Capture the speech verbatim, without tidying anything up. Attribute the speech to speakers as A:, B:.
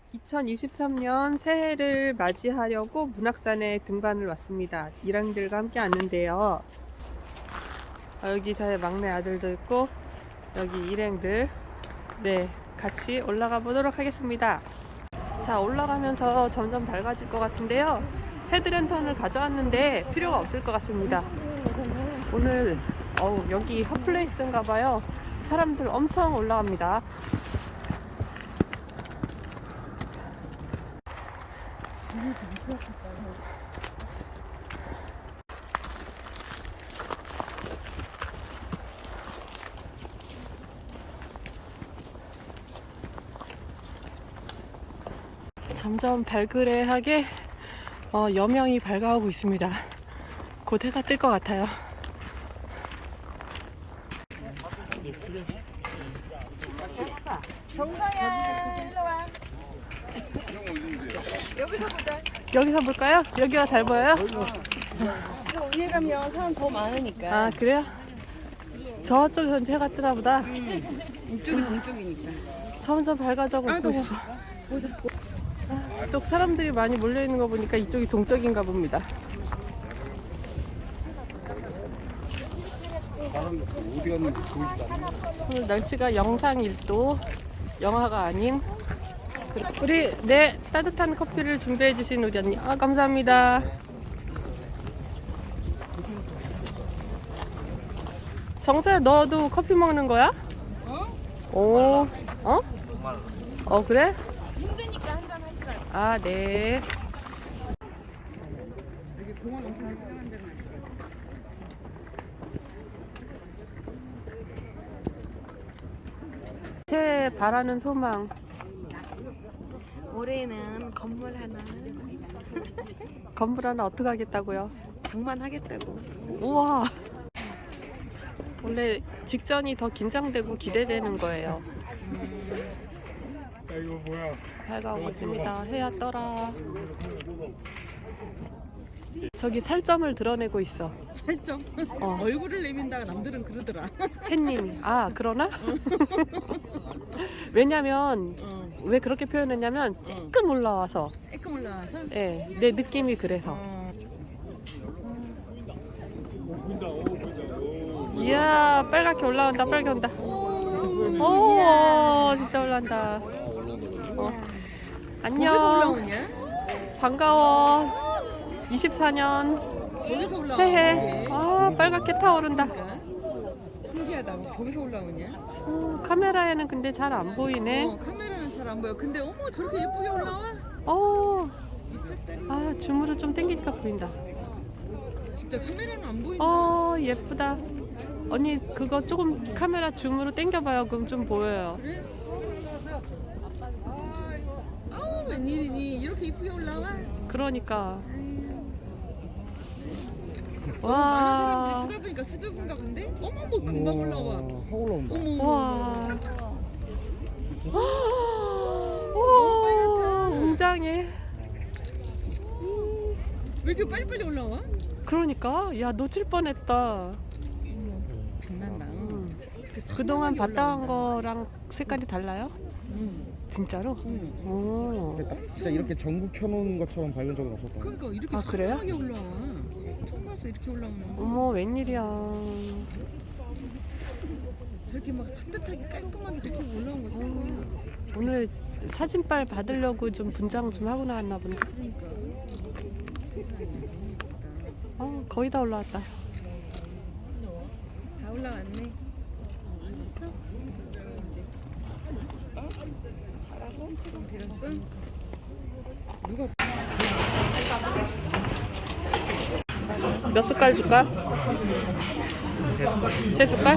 A: 이천이십삼 년 새해를 맞이하려고 문학산에 등반을 왔습니다. 일행들과 함께 왔는데요. 아, 여기 저의 막내 아들도 있고 여기 일행들 네 같이 올라가 보도록 하겠습니다. 자, 올라가면서 점점 밝아질 것 같은데요. 헤드랜턴을 가져왔는데 필요가 없을 것 같습니다. 오늘 어우, 여기 핫플레이스인가 봐요. 사람들 엄청 올라갑니다. 점점 발그레하게 어, 여명이 밝아오고 있습니다. 곧 해가 뜰 것 같아요.
B: 정서야, 일로 와. 여기서 보자.
A: 여기서 볼까요? 여기가 잘 보여요?
B: 저 위에 가면 사람 더 많으니까.
A: 아, 그래요? 저쪽에선 해가 뜨나 보다.
B: 이쪽이 동쪽이니까.
A: 점점 밝아져고 있고 있어. 아, 저쪽 사람들이 많이 몰려있는 거 보니까 이쪽이 동쪽인가 봅니다.
C: 어디 갔는지 보이지도 않아.
A: 오늘 날씨가 영상 일 도, 영하가 아닌. 우리 네 따뜻한 커피를 준비해 주신 우리 언니, 아 감사합니다. 정서야, 너도 커피 먹는 거야?
B: 어?
A: 오, 어? 어, 그래?
B: 힘드니까 한잔 하시라.
A: 아, 네.
B: 여기 공원 엄청 유명한 데는 아니지.
A: 새해 바라는 소망.
B: 올해는 건물 하나
A: 건물 하나 어떻게 하겠다고요?
B: 장만하겠다고.
A: 우와. 원래 직전이 더 긴장되고 기대되는 거예요.
C: 야, 이거 뭐야?
A: 밝아오고 있습니다. 해야 떠라. 저기 살점을 드러내고 있어.
B: 살점.
A: 어.
B: 얼굴을 내민다가 남들은 그러더라.
A: 햇님이. 아, 그러나? 왜냐면
B: 어.
A: 왜 그렇게 표현했냐면 쬐끔 올라와서.
B: 조금 올라와서.
A: 예, 내 느낌이 그래서.
B: 어.
C: 보인다, 오, 보인다, 오.
A: 이야, 빨갛게 올라온다. 빨갛게 온다.
B: 오.
A: 오, 진짜 올라온다. 어. 안녕.
B: 거기서 올라오냐?
A: 반가워. 이십사 년
B: 거기서 올라오냐?
A: 새해. 아, 빨갛게 타오른다.
B: 그러니까. 신기하다. 거기서 올라오냐?
A: 어, 카메라에는 근데 잘 안 보이네.
B: 어, 카메라는 잘 안 보여. 근데 어머 저렇게 예쁘게 올라와?
A: 어,
B: 미쳤다.
A: 아, 줌으로 좀 당기니까 보인다.
B: 진짜 카메라는 안 보인다.
A: 어, 예쁘다. 언니, 그거 조금 카메라 줌으로 당겨봐요. 그럼 좀 보여요.
B: 그래? 아우 웬일이니 이렇게 이쁘게 올라와?
A: 그러니까.
B: 아유,
A: 와.
B: 많은 사람들이 쳐다보니까 수줍은가 본데? 어머 뭐 금방 올라와.
C: 확 올라온다.
B: 어머.
A: 와.
B: 너무 빨갛다.
A: 오, 웅장해.
B: 왜 이렇게 빨리빨리 올라와?
A: 그러니까, 야, 놓칠 뻔했다.
B: 빛난다.
A: 음.
B: 이렇게
A: 그동안
B: 선명하게
A: 봤던
B: 올라온다.
A: 거랑 색깔이 달라요?
B: 응.
A: 진짜로?
B: 응.
A: 오.
C: 근데 딱 진짜 이렇게 전구 켜놓은 것처럼 밝은 적은 없었던 거.
B: 그러니까 이렇게
A: 아, 그래요?
B: 선명하게 올라와. 처음 봤어 이렇게 올라오는 거.
A: 어머, 웬일이야.
B: 저렇게 막 산뜻하게 깔끔하게 저렇게 올라온 거 처음 봐.
A: 오늘 사진빨 받으려고 좀 분장 좀 하고 나왔나 본데.
B: 그러니까. 세상에 너무 예쁘다.
A: 어, 거의 다 올라왔다.
B: 다 올라왔네. 빌었어? 누가
A: 몇 숟갈 줄까? 세 숟갈?